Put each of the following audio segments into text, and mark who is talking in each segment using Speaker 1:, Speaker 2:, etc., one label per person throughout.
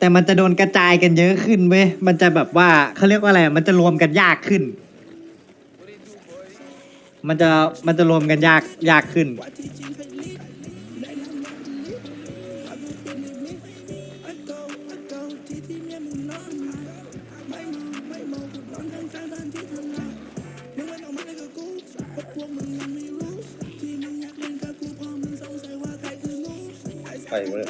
Speaker 1: แต่มันจะโดนกระจายกันเยอะขึ้นเว้ยมันจะแบบว่าเขาเรียกว่าอะไรมันจะรวมกันยากขึ้น มันจะรวมกันยากขึ้น
Speaker 2: ใครวะเนี่ย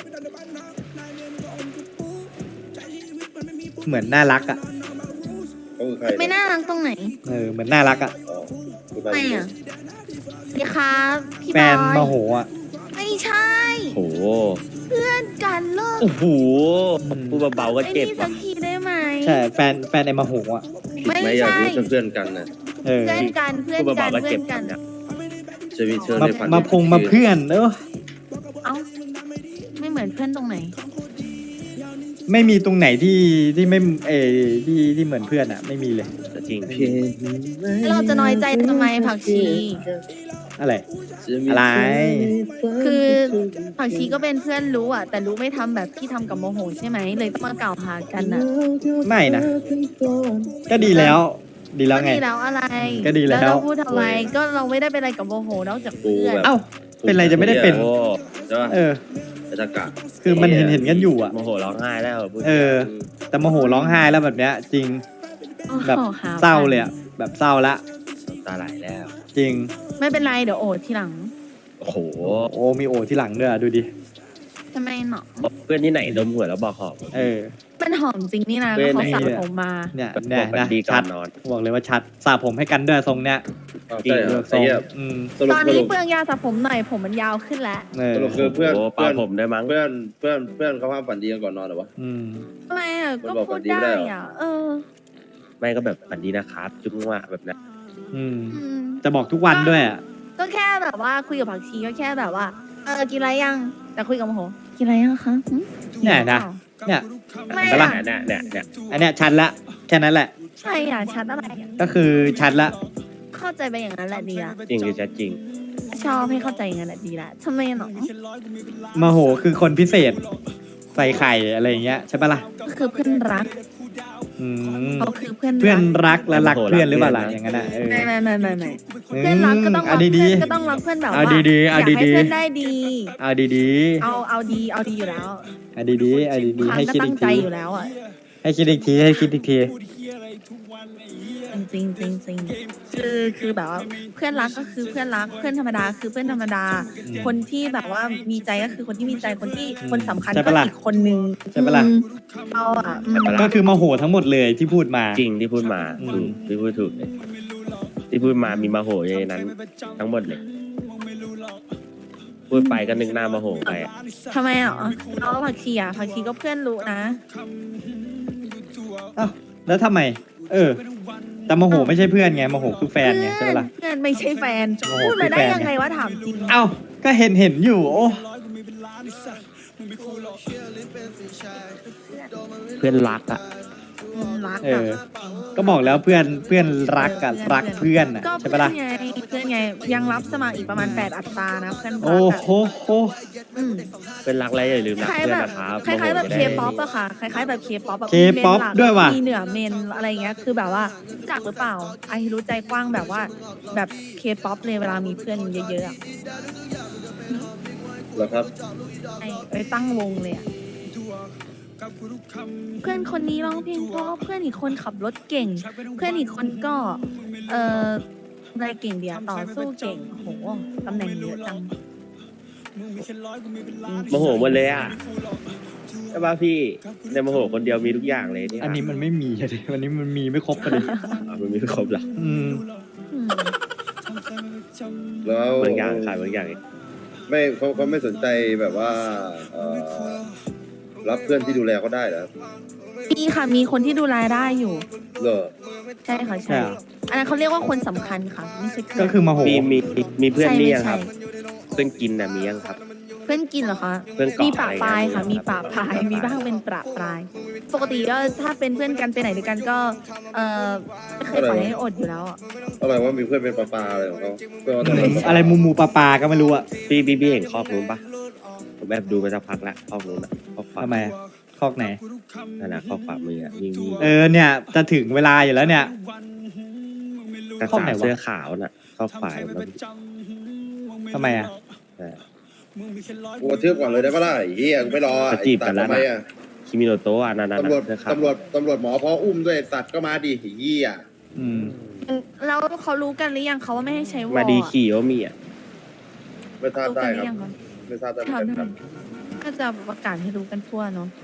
Speaker 1: เหมือนน่ารักอ่ะ
Speaker 2: เขาคือใคร
Speaker 3: ไม่น่ารักตรงไหน
Speaker 1: เหมือนน่ารักอ่ะ
Speaker 2: อ๋อคือใคร
Speaker 3: ไม่อ่ะดีครับพี่
Speaker 1: แฟ
Speaker 3: บ
Speaker 1: น
Speaker 3: อ
Speaker 1: โม
Speaker 3: ย
Speaker 1: โหอ่ะ
Speaker 3: ไม่ใช่
Speaker 4: โอ้โห
Speaker 3: เพื่อนกันเลิก
Speaker 4: โอ้โหพูดเบาๆก็
Speaker 3: ไอ้
Speaker 4: เจ็บ
Speaker 3: นี่สั
Speaker 4: ว่ะ
Speaker 3: กทีได้ไหม
Speaker 1: ใช่แฟนไอ้โมโหอ่ะ
Speaker 3: ไม่
Speaker 2: ไม่อยาก
Speaker 3: ใช่
Speaker 2: รู้เพื่อนกันนะ
Speaker 1: เออ
Speaker 3: เพื่อนกันเพื่อน
Speaker 4: พูด
Speaker 3: กั
Speaker 4: เบานๆก็
Speaker 3: เพื่
Speaker 4: เจ็
Speaker 3: อบ นกัน
Speaker 4: เนี่ย
Speaker 2: ชีวิตเชิญ
Speaker 1: มา
Speaker 2: ในฝัน
Speaker 1: มาพงมาเพื่อนเออ
Speaker 3: เอ้าไม่เหมือนเพื่อนตรงไหน
Speaker 1: ไม่มีตรงไหนที่ไม่ที่เหมือนเพื่อนอ่ะ ไม่มีเลย
Speaker 4: แต่จริง
Speaker 3: เราจะน้อยใจทำไมผักชี
Speaker 1: อะไร อะไร
Speaker 3: คือผักชีก็เป็นเพื่อนรู้อ่ะ แต่รู้ไม่ทำแบบที่ทำกับโมโหใช่ไหมเลยต้องมากล่าวหากันน่ะ
Speaker 1: ไม่นะ ก็ดีแล้ว ดีแล้ว
Speaker 3: ก็
Speaker 1: ไง
Speaker 3: ดีแล้วอะไร
Speaker 1: ก็ดีแล้ว
Speaker 3: เราพูดทำไมก็เราไม่ได้เป็นอะไรกับโมโหนอกจาก
Speaker 2: กู
Speaker 3: เพื่อน
Speaker 2: แบบ
Speaker 1: เอ้า เป็นไรจะไม่ได้เป็น
Speaker 4: โอ้
Speaker 2: ใช่ป่ะ
Speaker 1: เออ
Speaker 2: ไอ้ตากะ
Speaker 1: คือมันเห็นกันอยู่อ่ะ
Speaker 4: โมโหร้องไห้แล้วพูด
Speaker 1: เออ แต่โมโหร้องไห้แล้วแบบเนี้ย จริง แบบ
Speaker 3: โอ้ห
Speaker 1: เศร้าเลยอ่ะ แบบเศร้าละ
Speaker 4: น้ำตาไหลแล้ว
Speaker 1: จริง
Speaker 3: ไม่เป็นไรเดี๋ยวโอดทีหลัง
Speaker 4: โอ้โห
Speaker 1: โอ้มีโอที่หลังด้วยอะดูดิ
Speaker 3: ทำไมหนอ
Speaker 4: เพื่อนที่ไหนดมหัวแล้วบอกหอบ
Speaker 1: เออ
Speaker 3: มันหอมจริงนี่นะ
Speaker 4: เว้
Speaker 3: แล้ว
Speaker 4: ย
Speaker 3: เขา
Speaker 4: ไหน
Speaker 3: สระผมมา
Speaker 1: เนี่ย
Speaker 4: บ
Speaker 1: เนี่ย
Speaker 4: อกฝัน
Speaker 1: นะ
Speaker 4: ดีก่อ
Speaker 1: ชั
Speaker 4: น
Speaker 1: ด
Speaker 4: นอน
Speaker 1: บอกเลยว่าชัดสระผมให้กันด้วยทรงเนี้ย
Speaker 2: อ้าว
Speaker 4: จริง
Speaker 2: ใช่เหร
Speaker 1: เลื
Speaker 2: อ
Speaker 1: อกท
Speaker 2: ไอ้
Speaker 1: รง
Speaker 2: เหี้ย
Speaker 1: สรุป
Speaker 3: ตอนนี้เปลืองยาสระผมหน่อยผมมันยาวขึ้นแล้ว
Speaker 1: เออ
Speaker 2: สรุปคือเพื่อน
Speaker 4: โอ้
Speaker 2: เพื่อน
Speaker 4: ปาผมได้มั้ง
Speaker 2: เพื่อนเขาห้ามฝันดีกันก่อนนอนเหรอวะ
Speaker 1: อืม
Speaker 3: ทำไมอ่ะ
Speaker 2: มัน
Speaker 3: ก็
Speaker 2: บอก
Speaker 3: พูด
Speaker 2: แบบนี้
Speaker 3: ได้
Speaker 2: ไม่ได้เหรอ
Speaker 3: อ่ะ เออ
Speaker 4: ไม่ก็แบบฝันดีนะครับจุ๊งว่าแบบนั้น
Speaker 1: อืม
Speaker 3: อืม
Speaker 1: จะบอกทุกวันด้วยอ่ะ
Speaker 3: ก็แค่แบบว่าคุยกับผักชีก็แค่แบบว่า กินอะไรยัง แต่คุยกับโมโหกินอะไรยังคะหึ
Speaker 1: เนี่ยนะ เนี่ย
Speaker 3: ไม่
Speaker 1: เห็นปะล่ะ
Speaker 3: อ่ะ
Speaker 4: เนี่ย
Speaker 1: อันเนี้ยชัดละแค่นั้นแหละ
Speaker 3: ใช่อ่ะชัดอะไรอ่ะ
Speaker 1: ก็คือชัดละ
Speaker 3: เข้าใจไปอย่างนั้นแหละดีละ
Speaker 4: จริงคือชัดจริง
Speaker 3: ชอบให้เข้าใจอย่างนั้นแหละดีละทำไมหนอ
Speaker 1: โมโหคือคนพิเศษ ใส่ไข่อะไรอย่างเงี้ยใช่ปะล่ะ
Speaker 3: ก็คือเพื่อนรัก
Speaker 1: อืม
Speaker 3: เขาคือเพื่อน
Speaker 1: เพื่อน
Speaker 3: รัก
Speaker 1: รักและรักเพื่อนหรือเปล่าล่ะอย่างนั้นอ่ะเออ
Speaker 3: ไม่เพื่อนรักก็ต้องรั
Speaker 1: เอา
Speaker 3: ก
Speaker 1: ดี
Speaker 3: เพื่อน
Speaker 1: ๆ
Speaker 3: ก็ต้องรักเพื่อนแบบ
Speaker 1: เอา
Speaker 3: ว่า
Speaker 1: ดีๆเอา
Speaker 3: อยากให้
Speaker 1: ดีๆ
Speaker 3: เพื่อนได้ดี
Speaker 1: เอาดี
Speaker 3: เอาดีอยู่แล้ว
Speaker 1: ๆเอาดีๆเอาดี
Speaker 3: ค
Speaker 1: ๆ
Speaker 3: รั้ง
Speaker 1: ให้
Speaker 3: ก็
Speaker 1: คิด
Speaker 3: ตั้
Speaker 1: อี
Speaker 3: ง
Speaker 1: ก
Speaker 3: ใจ
Speaker 1: ที
Speaker 3: อยู่แล้วอ่ะ
Speaker 1: ให้คิดอีกทีให้คิดอีกที
Speaker 3: จริงคือแบบว่าเพื่อนรักก็คือเพื่อนรักเพื่อนธรรมดาคือเพื่อนธรรมดา คนที่แบบว่ามีใจก็คือคนที่มีใจคนที่คนสำคัญ
Speaker 1: ใช่
Speaker 3: ก็
Speaker 1: ปะล่ะ
Speaker 3: อีกคนนึง
Speaker 1: ใช่ปะล่ะ
Speaker 3: เราอ่ะ
Speaker 1: ก็คือโมโหทั้งหมดเลยที่พูดมา
Speaker 4: จริงที่พูดมา
Speaker 1: อืม
Speaker 4: ถูกที่พูดถูกเลยที่พูดมามีมาโหอยู่ในนั้น ทั้งหมดเลย พูดไปก็นึกหน้ามาโหไปอะ
Speaker 3: ทำไมอ่ะเราผักชีอ่ะผักชีก็เพื่อนรู้นะ
Speaker 1: อ้าวแล้วทำไม เออ แต่โมโหไม่ใช่เพื่อนไงโมโหคือแฟนไงใช่ปะล่ะ
Speaker 3: เพื่อนไม่ใช่แฟน
Speaker 1: โอ้โห
Speaker 3: พูดมาได้
Speaker 1: คือแฟน
Speaker 3: ยังไงวะถามจริง
Speaker 1: เอ้าก็เห็นอยู่โอ้
Speaker 4: เพื่อนรักอ่ะ
Speaker 3: รัก
Speaker 1: เอ
Speaker 3: อ่ะ
Speaker 1: อ ก็บอกแล้วเพื่อนรักกับรักเพื่อนอ่ะ
Speaker 3: ก็
Speaker 1: ใช่
Speaker 3: เพื่อ
Speaker 1: ปะล่ะ
Speaker 3: นไงเพื่อนไงยังรับสมัครอีกประมาณ8 อัตรานะเพื่อนรั
Speaker 1: โอ้
Speaker 3: กอ่ะ
Speaker 1: โหโห
Speaker 3: อืม
Speaker 4: เพื่อนรักอะไรอย่าลืมรัก
Speaker 3: คล้าย
Speaker 4: เพื่อน
Speaker 3: แบบ
Speaker 4: นะครับ
Speaker 3: คล้ายๆแบบ
Speaker 4: โม
Speaker 3: เค
Speaker 4: โหจะได้
Speaker 3: ป๊อปอะค่ะคล้ายๆแบบเคป๊อปแบบ
Speaker 1: K-pop ด้วยว่ะ
Speaker 3: มีเหนือเมนอะไรเงี้ยคือแบบว่ารู้จักหรือเปล่าไอรู้ใจกว้างแบบว่าแบบเคป๊อปเลยเวลามีเพื่อนเยอะๆอะ
Speaker 2: เหรอครับ
Speaker 3: ไปตั้งวงเลยอะเพื่อนคนนี้ร้องเพลงเพราะเพื่อนอีกคนขับรถเก่ง เพื่อนอีกคนก็อะไรเก่งเดียวต่อสู้เก่งโหตำแหน่งเยอะจัง
Speaker 4: โมโหหมดเลยอ่ะใช่ป่ะพี่ในโมโหคนเดียวมีทุกอย่างเลยเนี่ย
Speaker 1: อันนี้มันไม่มีเลยวันนี้มันมีไม่ครบเลย
Speaker 4: มันมีไม่ครบหรอ
Speaker 1: อืม
Speaker 3: อืม
Speaker 2: แล้ว
Speaker 4: บางอย่างขายบางอย่าง
Speaker 2: ไม่เขาไม่สนใจแบบว่ารับเพื่อนที่ดูแลเขาได้เหรอครับ
Speaker 3: มีค่ะมีคนที่ดูแลได้อยู่
Speaker 2: เหรอ
Speaker 3: ใช่ค่ะ
Speaker 1: ใช่
Speaker 3: ใช่
Speaker 1: เหรอ
Speaker 3: อันนั้นเขาเรียกว่าคนสำคัญค่ะไม่ใช่เพื่อน
Speaker 1: ก็คือโมโห
Speaker 4: มีเพื่อน
Speaker 3: ใช่
Speaker 4: นี่
Speaker 3: ไม่
Speaker 4: ยังค
Speaker 3: ใช่
Speaker 4: รับ เพื่อนกินน่ะมียังครับ
Speaker 3: เพื่อนกินเหรอคะ
Speaker 4: เพื่อนเกาะ
Speaker 3: มีปะปลาย
Speaker 4: อะไร
Speaker 3: ค่ะ
Speaker 4: อย่างเงี้ย
Speaker 3: มีปะปลายมีบ้างเป็นประปลาย ปกติก็ถ้าเป็นเพื่อนกันไปไหนด้วยกันก็ไม่เคยปล่อยให้อดอยู่แล้วอะ
Speaker 2: อะไรว่ามีเพื่อนเป็นปลาอะไรของเขาเพื่อนว่าตอนนั้น
Speaker 1: อะไรมูปลาก็ไม่รู้อะ
Speaker 4: พี่เห็นครอบนู้นปะผมแบบดูมาสักพักแล้วครอบนู้นอะครอบขวา
Speaker 1: ทำไมอะ
Speaker 4: ค
Speaker 1: คอกไหน
Speaker 4: นั่นแหละข้อขวามืออะวิ่ง
Speaker 1: เนี่ยจะถึงเวลาอยู่แล้วเนี่ย
Speaker 4: กระ
Speaker 1: ข้อ
Speaker 4: สา
Speaker 1: ไหนวะ
Speaker 4: เสื้อขาวน่ะข้อขวามัน
Speaker 1: ทำไมอ่ะ
Speaker 2: กูกระทืบก่อนเลยได้ปะล่ะไอ้เฮียกูไม่รอ
Speaker 4: จะจีบกันแล้ว
Speaker 2: ทำไม
Speaker 4: นะ
Speaker 2: อ่ะ
Speaker 4: คิมิโนโตะอ่ะนั่น
Speaker 2: ตำรวจ
Speaker 4: เสื้อขาว
Speaker 2: ตำรวจหมอพออุ้มด้วยไอ้สัตว์ก็มาดิไอ้เฮีย
Speaker 1: อืม
Speaker 3: แล้วเขารู้กันหรือยังเขาว่าไม่ให้ใช้วอล
Speaker 4: มาดีขี่โอมีอ่ะ
Speaker 2: ไม่ทราบ
Speaker 3: รู้
Speaker 2: ได้
Speaker 3: กันห
Speaker 2: ค
Speaker 3: รื
Speaker 2: รับ
Speaker 3: อยังคะ
Speaker 2: ไม่ทราบได้เหมือนกันครับ
Speaker 3: ก็จะประกาศให้รู้กันทั่วเนาะ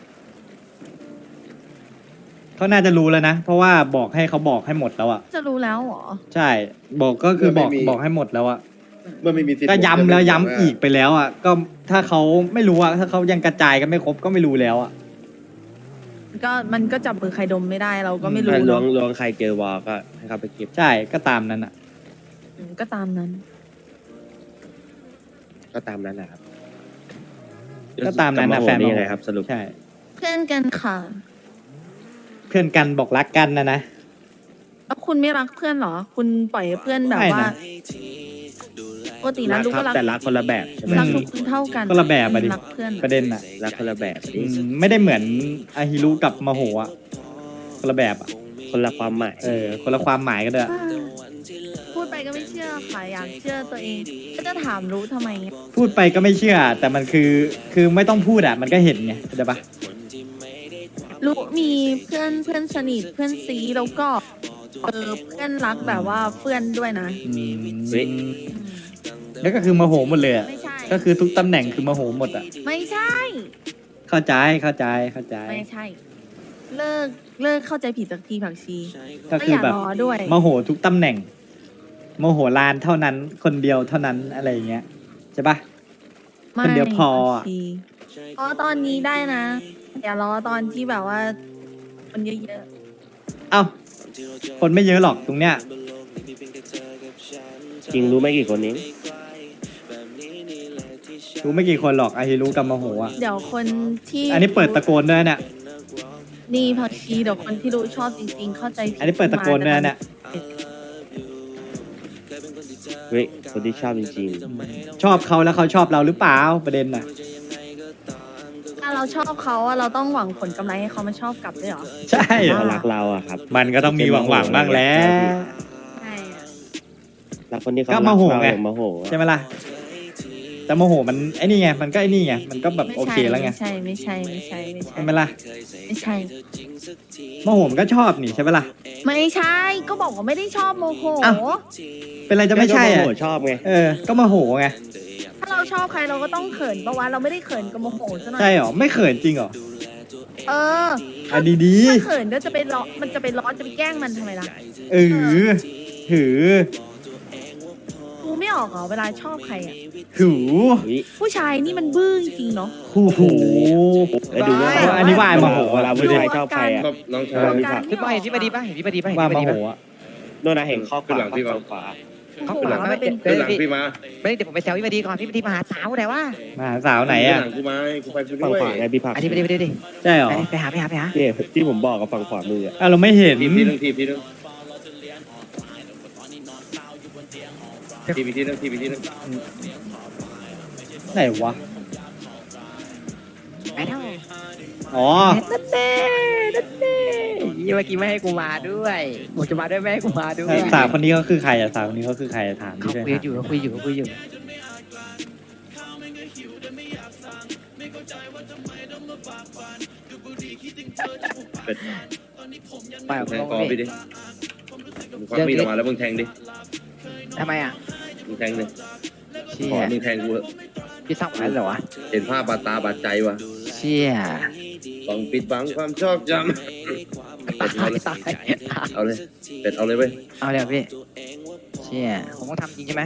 Speaker 1: เขาน่าจะรู้แล้วนะ เพราะว่าบอกให้เขาบอกให้หมดแล้วอ่ะ
Speaker 3: จะรู้แล้วเหรอ
Speaker 1: ใช่ บอกก็คือบอกให้หมดแล้วอ่ะ
Speaker 2: เมื่อไม่มีสิทธิ์
Speaker 1: ก็ย้ำแล้ว
Speaker 2: ผมจะ
Speaker 1: ย้ำ
Speaker 2: ไม่
Speaker 1: อีกไปแล้วอ่ะ ก็ถ้าเขาไม่รู้อ่ะ ถ้าเขายังกระจายกันไม่ครบก็ไม่รู้แล้วอ่ะ
Speaker 3: ก็มันก็จับมือใครดมไม่ได้เราก็ไม่รู้
Speaker 4: ล้ว
Speaker 3: เนาะ
Speaker 4: งใครเจอวอลก็ให้เขาไปเก็บ
Speaker 1: ใช่ ก็ตามนั้นอ่ะ
Speaker 3: ก็ตามนั้น
Speaker 4: ก็ตามนั้นแหละครับ
Speaker 1: ก็ตามนั้นนะ
Speaker 4: กับ
Speaker 1: แฟน
Speaker 4: โมโห
Speaker 1: มา
Speaker 4: ยังไงครับสรุป
Speaker 1: ใช่
Speaker 3: เพื่อนกันค่ะ
Speaker 1: เพื่อนกันบอกรักกันนะ
Speaker 3: แล้วคุณไม่รักเพื่อนเหรอ คุณปล่อยให้เพื่อนแบบ
Speaker 1: ไม่
Speaker 3: ว่า
Speaker 1: นะ
Speaker 3: ปกตินะรู้ก็รัก
Speaker 4: แต่รักคนละแบบใช่ไหม
Speaker 3: รักทุกคนเท่ากัน
Speaker 1: คนละแบบอะดิ
Speaker 3: รักเพื่อน
Speaker 1: ประเด็นอ่ะ
Speaker 4: รักคนละแบบ
Speaker 1: อืมไม่ได้เหมือนอาฮิรุกับมาโหอ่ะ คนละแบบอ่ะ
Speaker 4: คนละความหมาย
Speaker 1: คนละความหมายกันด้วย
Speaker 3: พูดไปก็ไม่เชื่อค่ะอยากเชื่อตัวเองก็จะถามรู้ทำไมเงี้ย
Speaker 1: พูดไปก็ไม่เชื่อ แต่มันคือไม่ต้องพูดอ่ะ มันก็เห็นไงเข้าใจปะ
Speaker 3: รู้มีเพื่อนสนิทเพื่อนซีแล้วก็เพื่อนรักแบบว่าเพื่อนด้วยนะ
Speaker 1: อืม
Speaker 4: เฮ้ย
Speaker 1: แล้วก็คือมาโหหมดเลยอ่ะ
Speaker 3: ไม่ใช่
Speaker 1: ก็คือทุกตำแหน่งคือมาโหหมดอ่ะ
Speaker 3: ไม่ใช่
Speaker 1: เข้าใจ
Speaker 3: ไม่ใช่ เลิกเข้าใจผิดสักทีผักชี
Speaker 1: ก็
Speaker 3: ไม่
Speaker 1: คือ
Speaker 3: อยาก
Speaker 1: แบบ
Speaker 3: รอด้วย
Speaker 1: มาโหทุกตำแหน่งมาโหลานเท่านั้น คนเดียวเท่านั้นอะไรอย่างเงี้ยใช่ปะ คนเดียวพออะ
Speaker 3: ผักชีอ๋อตอนนี้ได้นะอย่ารอตอนที่แบบว่าคนเยอะ
Speaker 1: เอ้า คนไม่เยอะหรอกตรงเนี้ย
Speaker 4: จริงรู้ไม่กี่คนนี้
Speaker 1: รู้ไม่กี่คนหรอกอาฮิรุกับมาโหอ่ะ
Speaker 3: ๆเดี๋ยวคนที่
Speaker 1: อันนี้เปิดตะโกนด้วยเนี่ย
Speaker 3: นี่ผักชีเดี๋ยวคนที่รู้ชอบจริงๆ เข้าใจผิด
Speaker 1: อันนี้เปิดตะโกนด้วยเนี่ย
Speaker 4: เฮ้ยคนที่ชอบจริง
Speaker 1: ชอบเขาแล้วเขาชอบเราหรือเปล่าประเด็นน่ะ
Speaker 3: ถ้าเราชอบเขาอะเราต้องหวังผลกำไรให้เขามาชอบกลับด้วยเหรอ
Speaker 1: ใช่
Speaker 4: ๆ
Speaker 1: เหร
Speaker 4: เขา
Speaker 1: อ
Speaker 4: รักเราอะครับ
Speaker 1: มันก็ต้องมีหวังบ้างแล้ว
Speaker 3: ใช่อะ
Speaker 4: รักคนที่เขา
Speaker 1: ก็
Speaker 4: รัก
Speaker 1: โมโห
Speaker 4: เรา
Speaker 1: ไง
Speaker 4: โมโห
Speaker 1: ใช่ไหมล่ะ แต่โมโหมันไอ้นี่ไง มันก็ไอ้นี่ไง มันก็แบบ
Speaker 3: ไม่
Speaker 1: โอ
Speaker 3: ใช่
Speaker 1: เคแล้วไง
Speaker 3: ไม่ใช่
Speaker 1: ใช่ไหมล่ะ
Speaker 3: ไม่ใช่
Speaker 1: โมโหมันก็ชอบนี่ใช่ไหมล่ะ
Speaker 3: ไม่ใช่ ก็บอกว่าไม่ได้ชอบโมโห
Speaker 1: อ้าว เป็นไรจะไม่ใช่
Speaker 4: ก็
Speaker 1: อ่ะ
Speaker 4: โมโหชอบไง
Speaker 1: ก็โมโหไง
Speaker 3: ถ้าเราชอบใครเราก็ต้องเขินปะวะเราไม่ได้เขินกับโมโหซะหน่อย
Speaker 1: ใช่เหรอ ไม่เขินจริงเหรอ
Speaker 3: เออ
Speaker 1: อ่ะดี
Speaker 3: ถ้าเขินก็จะไปล้อมันจะไปล้อจะไปแกล้งมันทำไมล่ะ
Speaker 1: ๆหือ
Speaker 3: กูไม่ออกเหรอเวลาชอบใครอ่ะ
Speaker 1: หู
Speaker 4: อุ๊ย
Speaker 3: ผู้ชายนี่มันบื้อจริงเนาะ
Speaker 1: หู
Speaker 4: แล้วดูว่า
Speaker 1: อันนี้ว่าโมโห
Speaker 4: เวลาผู้ชายชอบใครอะ
Speaker 2: ก็น้องชา
Speaker 3: ตั
Speaker 2: ยว
Speaker 3: การ
Speaker 5: พี่บอยเห็นพี่บดีป่ะเห็นพี่บดีป่ะเห็น
Speaker 1: ว่า
Speaker 5: พี่บ
Speaker 1: โม
Speaker 5: ดี
Speaker 1: โห
Speaker 5: ป่ะ
Speaker 1: อ่ะ
Speaker 4: โน่นนะเห็นข้อข
Speaker 2: ขึ้นห
Speaker 4: วา
Speaker 2: ลังพี่มา
Speaker 4: ข้อขวา
Speaker 3: โอ้โหมันเป็น
Speaker 2: ขึ้นหลังพี่มา
Speaker 5: ไม่ได้เดี๋ยวผมไปแซวพี่บดีก่อนพี่บดีมาหาสาวไหนวะ
Speaker 1: มาหาสาวไหนอ่ะ
Speaker 2: ขึ้หลังกูมากูไปกู
Speaker 4: ฝั่ง
Speaker 2: ด้วย
Speaker 4: ขวาไงพี่ผัก
Speaker 5: อันนี้ไปดิ
Speaker 1: ใช่เหรอ
Speaker 5: ไปหา
Speaker 4: เนี่ยที่ผมบอกกับฝั่งขวามืออะ
Speaker 1: เราไม่เห็น
Speaker 2: ทีมที่หนึ่งทีมที่หนึ่งทีมที่หนึ่งทีมที่หนึ่ง
Speaker 1: ไหนวะ
Speaker 5: ไปเท่า
Speaker 1: อ๋อ
Speaker 5: นั่นเน่ยี่เมื่อกี้ไม่ให้กูมาด้วยบอกจะมาด้วยไม่ให้กูมาด้วย
Speaker 1: สาวคนนี้ก็คือใครอ่ะสาวคนนี้ก็คือใครอะถาม
Speaker 5: เขา
Speaker 1: ดิ
Speaker 5: คุยอยู่เขาคุยอยู่
Speaker 2: เป็ด
Speaker 5: ไป
Speaker 2: แทงคอพี่ดิมึงควักมีดออกมาแล้วมึงแทงดิ
Speaker 5: ทำไมอ่ะ
Speaker 2: มึงแทงดิ
Speaker 5: เชี่
Speaker 2: ขอย มึงแทงกูเถอะ
Speaker 5: พี่สั่งมาแล้วเหรอวะ
Speaker 2: เห็นภาพบาดตาบาดใจวะ
Speaker 5: เชี่ย
Speaker 2: ต้องปิดบังความชอบจ
Speaker 5: ตาย
Speaker 2: ำเอาเลยเป็ดเอาเลยเว้ย
Speaker 5: เอาเลยพี่เชี่ยผมต้องทำจริงใช่ไหม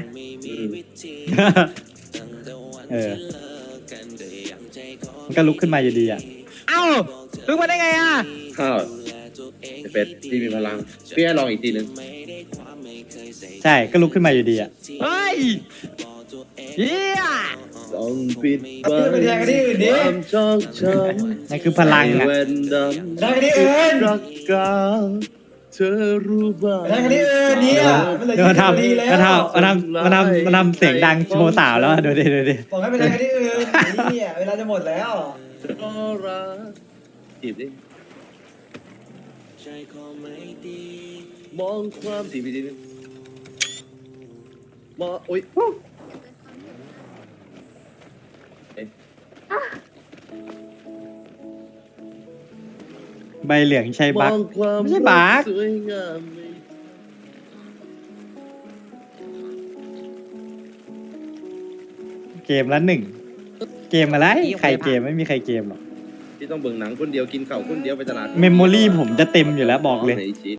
Speaker 1: มันก็ลุกขึ้นมาอยู่ดีอ่ะ
Speaker 5: เอ้าลุกมาได้ไงอ่ะ
Speaker 2: ข้าวเป็ดที่มีพลังพี่ให้ลองอีกทีหนึ่ง
Speaker 1: ใช่ก็ลุกขึ้นมาอยู่ดีอ่ะ
Speaker 5: เฮ้ยเฮีย
Speaker 2: ต้องปิดบังความชอบจำ
Speaker 1: นั่นคือพลังอ่ะ
Speaker 2: เว้นดำได้ที่อื่นรักกาเธอรู้บ้างได้ที่อื่นเนี่ย
Speaker 1: เดี๋ยวมาทำเสียงดังโชว์สาวแล้วอะดูดิ
Speaker 6: บอกให้ไปทางที่อื่นนี่เวลาจะหมดแล้ว
Speaker 2: ก็รักจีบดิมองความจีบดิมองอุ้ย
Speaker 1: ใบเหลืองใช่บั๊ก
Speaker 2: มองความ
Speaker 1: ไม่ใช่บั๊ก
Speaker 2: สวยงาม
Speaker 1: เกมละ1 เกมอะไร ใครเกมไม่มีใครเกมหรอก
Speaker 2: ที่ต้องเบิ่งหนังคนเดียวกินข้าวคนเดียวไปตลาด
Speaker 1: เมมโมรี่ผมจะเต็มอยู่แล้วบอกเลย
Speaker 2: ไหนชี้